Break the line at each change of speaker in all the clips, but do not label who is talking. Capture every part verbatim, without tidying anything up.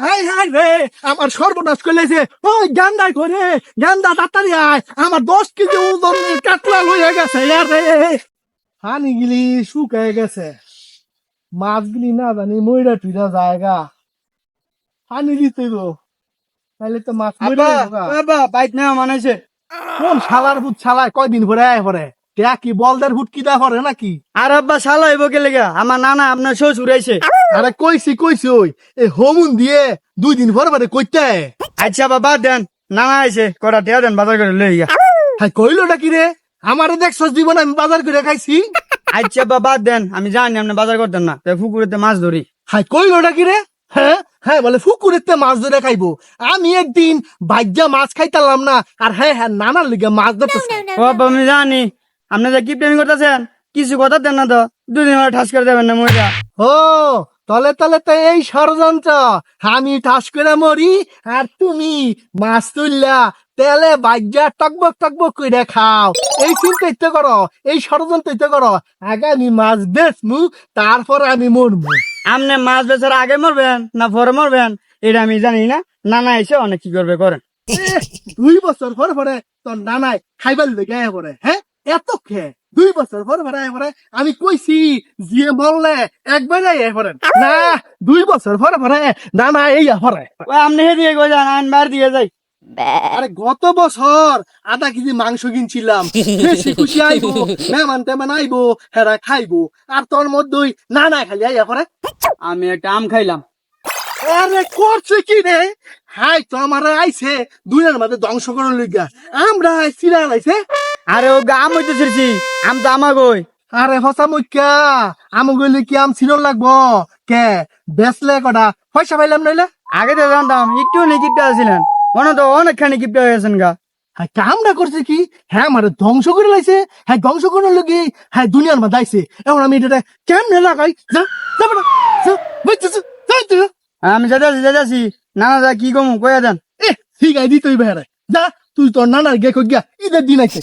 High high রে আমার সর্বনাশ করলেছে ওই গান্দাই করে গান্দা তাড়াতাড়ি আয় আমার দশ কেজি ওজনের কাতলা লইয়া গেছে রে হানি গিলি শুকায় গেছে মাছগুলি না জানি ময়রা টুইরা জায়গা হানি দিতে গো তাহলে তো মাছ মরে
বাবা বাইক না মানাইছে
কোন শালার ভূত শালায় কয়দিন পরে আয় পরে কে কি বলদের ভূত কি দা করে নাকি
আর আব্বা শালা হইব কে লেগা আমার নানা আপনার শ্বশুর আইছে
আরে কইছি কইছি ওই এই হোমুন দিয়ে দুই দিন পরে পরে কইতে
আচ্ছা বাবা দেন নানা আইছে কটা টিয়া দেন বাজার করে লই গা
হাই কইলোটা কি রে আমারে দেখছস জীবন আমি বাজার করে খাইছি
আচ্ছা বাবা দেন আমি জানি আপনি বাজার করতেন না তাই পুকুরেতে মাছ ধরি
হাই কইলোটা কি রে হ্যাঁ হ্যাঁ বলে ফুকুরেতে মাছ ধরে খাইবো আমি একদিন ভাজ্যা মাছ খাইতালাম না আর হ্যাঁ হ্যাঁ নানার লিগে মাছ ধরতেছে
ও বাবা আমি জানি আপনি যে কি প্রেমিং করতেছেন কিছু কথা দেন না তো দুদিন হলে ঠাস করে দেবেন না মরিয়া
ও তলে তলে তো এই ষড়যন্ত্র আমি ঠাস করে মরি আর তুমি মাছ তুললা তেলে ভাজ্যা টকবক টকবক করে খাও এই চিন্তা ইতে করো এই ষড়যন্ত্র ইতে করো আগে আমি মাছ বেচমু তারপরে আমি মরবো
আপনি মাছ বেচার আগে মরবেন না পরে মরবেন এটা আমি জানি না নানা এসে অনেক কি করবে করেন
এহ, দুই বছর পরে পরে তোর নানাই খাইবার লেগে আয় পরে হ্যাঁ এত খেয়ে দুই বছর পরে পরে আয় পরে আমি কইছি যে বললে একবার আয় পরে না দুই বছর পরে পরে নানা এই পরে
ও আপনি হেদিকে কই যান আইন বার দিয়ে যাই
আরে গত বছর আধা কেজি মাংস কিনছিলাম বেশি খুশি আইবো মেহমান টেমান আইবো হেরা খাইবো আর তোর মধ্যেই নানা খালি আইয়া পরে
আমি একটা আম খাইলাম
আরে করছে কি রে হাই তো আমার আইছে দুইয়ের মধ্যে ধ্বংস করার লিগা আমরা চিরা লাইছে
আরে ও আম হইতে ছিড়ছি আম তো আমা গই
আরে হসা মুখ্যা আম গইলে কি আম ছিরন লাগবো কে বেসলে কটা পয়সা পাইলাম নইলে
আগে তো জানতাম একটু নেই কিপটা আছিলেন মনে তো অনেকখানি কিপটা হয়ে গেছেন গা
হ্যাঁ কামটা করছে কি হ্যাঁ আমার ধ্বংস করে লাইছে হ্যাঁ ধ্বংস করার লগে হ্যাঁ দুনিয়ার মধ্যে আইছে এখন আমি এটা কেমনে লাগাই যা যা বেটা যা বুঝছিস যাই তুই
আমি যেতেছি যেতেছি নানা যা কি কমু কইয়া দেন
এ ঠিক আছে দি তুই বেহারে যা তুই তোর নানার গে কই গিয়া ঈদের দিন আইছে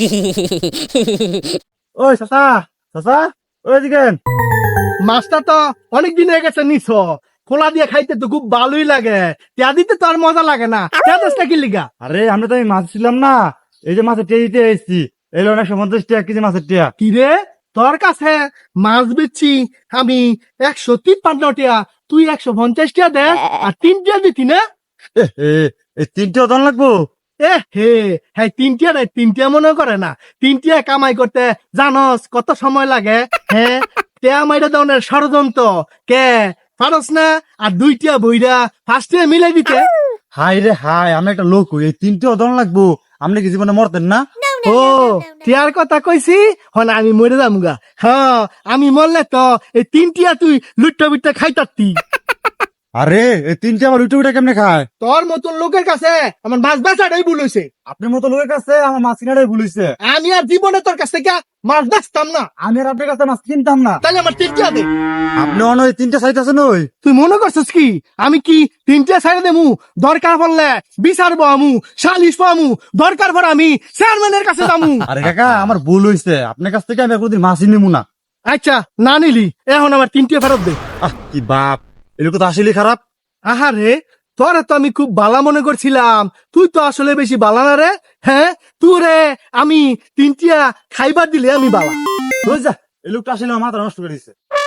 ওই চাচা চাচা
ওই দিকে
মাছটা তো অনেক দিন হয়ে গেছে নিছ খোলা দিয়ে খাইতে তো খুব ভালোই লাগে তিয়া দিতে তো আর মজা লাগে না তিয়া দশটা কি লিগা
আরে আমরা তো আমি মাছ ছিলাম না এই যে মাছের টিয়া দিতে এসেছি এই লোক একশো পঞ্চাশ টাকা এক কেজি মাছের টিয়া
কি রে তোর কাছে মাছ বেচছি আমি একশো তিপ্পান্ন টিয়া তুই একশো পঞ্চাশ টিয়া দে আর তিন টিয়া দিতি না
এ, এ, এই তিনটে ওজন লাগবো
এ হে হ্যাঁ তিনটিয়া নাই তিনটিয়া মনে করে না তিনটিয়া কামাই করতে জানস কত সময় লাগে হ্যাঁ টিয়া মাইরা দনের ষড়যন্ত্র কে পারস না আর দুইটিয়া বইরা ফার্স্টে মিলাই দিতে
হাই রে হাই আমি একটা লোক হই, এই তিনটে ওজন লাগবো আপনি কি জীবনে মরতেন না
ও টিয়ার কথা কইছি হন আমি মরে যাম গা হ্যাঁ আমি মরলে তো এই তিনটিয়া তুই লুট্টা বিট্টা খাইতারতি
আরে এই তিনটে আমার উঠে উঠে কেমনে খায়
তোর মতন লোকের কাছে আমার মাছ বেচাটাই ভুল হয়েছে
আপনার মতো লোকের কাছে আমার মাছ কিনাটাই ভুলিছে
আমি আর জীবনে তোর কাছ থেকে মাছ বেচতাম না
আমি আর আপনার কাছে মাছ কিনতাম না
তাহলে আমার তিনটিয়া দে
আপনি অন ওই তিনটে সাইজ আছেন ওই
তুই মনে করছিস কি আমি কি তিনটে সাইডে দেমু দরকার পড়লে বিচার আমু সালিশ পামু দরকার পর আমি চেয়ারম্যানের কাছে যামু
আরে কাকা আমার ভুল হয়েছে আপনার কাছ থেকে আমি কোনদিন মাছই নিবো না
আচ্ছা না নিলি এখন আমার তিনটে ফেরত দে
আহ কি বাপ এই লোক তো আসলে খারাপ
আহারে তোরে তো আমি খুব বালা মনে করছিলাম তুই তো আসলে বেশি বালা না রে হ্যাঁ তুই রে আমি তিনটিয়া খাইবার দিলে আমি বালা
বুঝ যা এই লোকটা আসলে আমার মাথা নষ্ট করে দিচ্ছে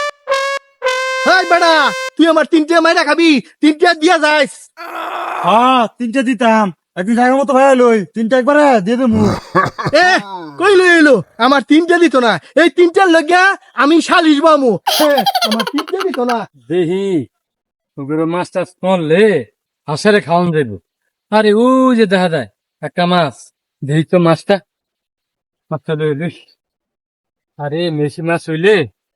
হাই বেড়া তুই আমার তিনটিয়া মাইরা খাবি তিনটিয়া দিয়া যাইস
হ্যাঁ তিনটে দিতাম একদিন জায়গা মতো ভাই লই তিনটা একবারে দিয়ে দেবো
এ কই লই এলো আমার তিনটা দিত না এই তিনটার লগিয়া আমি সালিশ বামু হ্যাঁ, আমার তিনটা দিত না
দেহি ওগুলো মাছ টাছ পড়লে হাসারে খাওয়ান যাইব আরে ও যে দেখা যায় একটা মাছ দেহি তো মাছটা মাছটা লই লইস আরে মেশি মাছ হইলে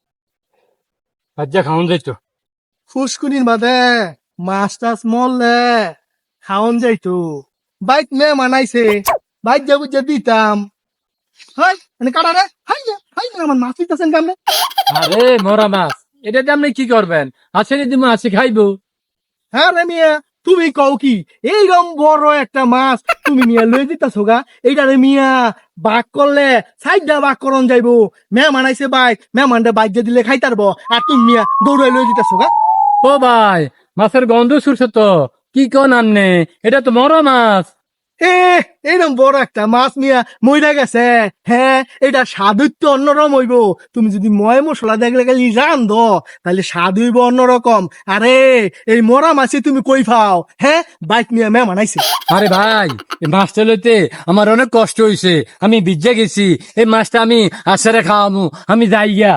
ভাজ্যা খাওয়ান যাইতো
ফুসকুনির বাদে মাছ টাছ মরলে খাওন যাইতো বাইক মে মানাইছে বাইক যাবো যে দিতাম হাই মানে কাটা রে হাই না হাই না আমার মাছ দিতেছেন কেমনে
আরে মরা মাছ এটা দিয়ে আপনি কি করবেন আছে যদি মাছ খাইবো
হ্যাঁ রে মিয়া তুমি কও কি এইরকম বড় একটা মাছ তুমি মিয়া লই দিতাছো গা এইটা রে মিয়া বাক করলে সাইডটা বাক করন যাইবো মেহমান আইছে বাইক মেহমানটা বাইক যে দিলে খাইতারবো আর তুমি মিয়া দৌড়াই লই দিতাছো গা
ও ভাই মাছের গন্ধ শুরছে তো কি কোন আমনে এটা তো বড় মাছ।
এ এরকম বড় একটা মাছ মিয়া মইরা গেছে। হ্যাঁ, এটা স্বাদ তো অন্যরকম হইব। তুমি যদি ময় মশলা দেখলে গেলি রান দো তাহলে স্বাদ হইব অন্যরকম। আরে এই মরা মাছে তুমি কই পাও? হ্যাঁ, বাইক মিয়া মে মানাইছে।
আরে ভাই এই মাছটা লইতে আমার অনেক কষ্ট হইছে, আমি ভিজে গেছি। এই মাছটা আমি আসারে খাওয়ামু, আমি যাই গিয়া।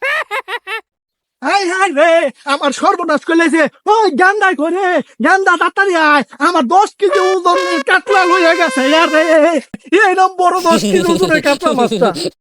হাই হাই রে, আমার সর্বনাশ করলেছে। ওই গান্দাই করে গান্দা তাড়াতাড়ি আয়, আমার দশ কেজি ওজনের কাতলা হয়ে গেছে। আরে এরকম বড় দশ কেজি ওজনের কাতলা মাছটা